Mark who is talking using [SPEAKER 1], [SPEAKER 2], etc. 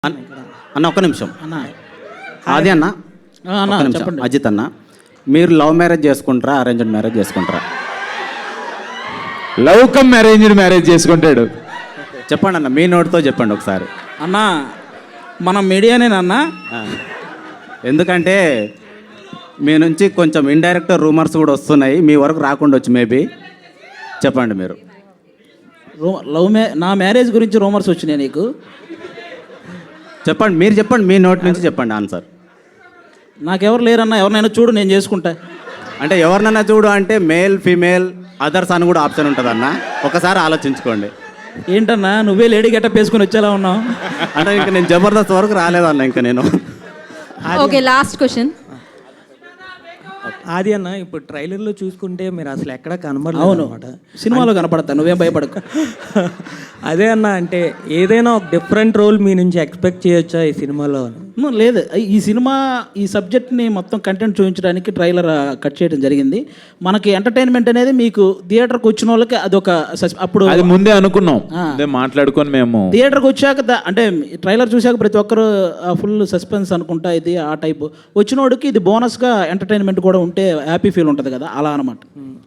[SPEAKER 1] అన్న ఒక్క నిమిషం
[SPEAKER 2] అన్న
[SPEAKER 1] అది అన్న
[SPEAKER 2] అన్న
[SPEAKER 1] ఒక్క నిమిషం.
[SPEAKER 2] చెప్పండి.
[SPEAKER 1] అజిత్ అన్న, మీరు లవ్ మ్యారేజ్ చేసుకుంటారా అరేంజ్డ్ మ్యారేజ్ చేసుకుంటారా?
[SPEAKER 3] లవ్ కమ్ అరేంజ్డ్ మ్యారేజ్ చేసుకుంటాడు.
[SPEAKER 1] చెప్పండి అన్న, మీ నోటితో చెప్పండి ఒకసారి.
[SPEAKER 2] అన్న మనం మీడియానేనన్నా.
[SPEAKER 1] ఎందుకంటే మీ నుంచి కొంచెం ఇండైరెక్ట్ రూమర్స్ కూడా వస్తున్నాయి, మీ వరకు రాకుండొచ్చు మేబీ. చెప్పండి మీరు.
[SPEAKER 2] నా మ్యారేజ్ గురించి రూమర్స్ వచ్చినాయి నీకు?
[SPEAKER 1] చెప్పండి, మీరు చెప్పండి, మీ నోటి నుంచి చెప్పండి ఆన్సర్.
[SPEAKER 2] నాకెవరు లేరన్నా, ఎవరినైనా చూడు నేను చేసుకుంటా.
[SPEAKER 1] అంటే ఎవరినైనా చూడు అంటే మేల్ ఫీమేల్ అదర్స్ అని కూడా ఆప్షన్ ఉంటుంది అన్న, ఒకసారి ఆలోచించుకోండి.
[SPEAKER 2] ఏంటన్నా నువ్వే లేడీ గెటప్ వేసుకుని వచ్చేలా ఉన్నావు?
[SPEAKER 1] అంటే ఇంకా నేను జబర్దస్త్ వరకు రాలేదన్న ఇంకా నేను.
[SPEAKER 4] Okay, last question.
[SPEAKER 5] ఆది అన్న, ఇప్పుడు ట్రైలర్లో చూసుకుంటే మీరు అసలు ఎక్కడ కనబడలేదు
[SPEAKER 2] అవును,
[SPEAKER 5] అనమాట.
[SPEAKER 2] సినిమాలో కనపడతా, నువ్వేం భయపడకు.
[SPEAKER 5] అదే అన్న, అంటే ఏదైనా ఒక డిఫరెంట్ రోల్ మీ నుంచి ఎక్స్పెక్ట్ చేయొచ్చా ఈ సినిమాలో?
[SPEAKER 2] లేదు, ఈ సినిమా ఈ సబ్జెక్ట్ని మొత్తం కంటెంట్ చూపించడానికి ట్రైలర్ కట్ చేయడం జరిగింది. మనకి ఎంటర్టైన్మెంట్ అనేది మీకు థియేటర్కి వచ్చిన వాళ్ళకి అదొక అప్పుడు
[SPEAKER 3] అది ముందే అనుకున్నాం, అదే మాట్లాడుకొని మేము
[SPEAKER 2] థియేటర్కి వచ్చాక అంటే ట్రైలర్ చూశాక ప్రతి ఒక్కరు ఫుల్ సస్పెన్స్ అనుకుంటా ఇది ఆ టైపు వచ్చినోడికి ఇది బోనస్గా ఎంటర్టైన్మెంట్ కూడా ఉంటే హ్యాపీ ఫీల్ ఉంటుంది కదా, అలా అనమాట.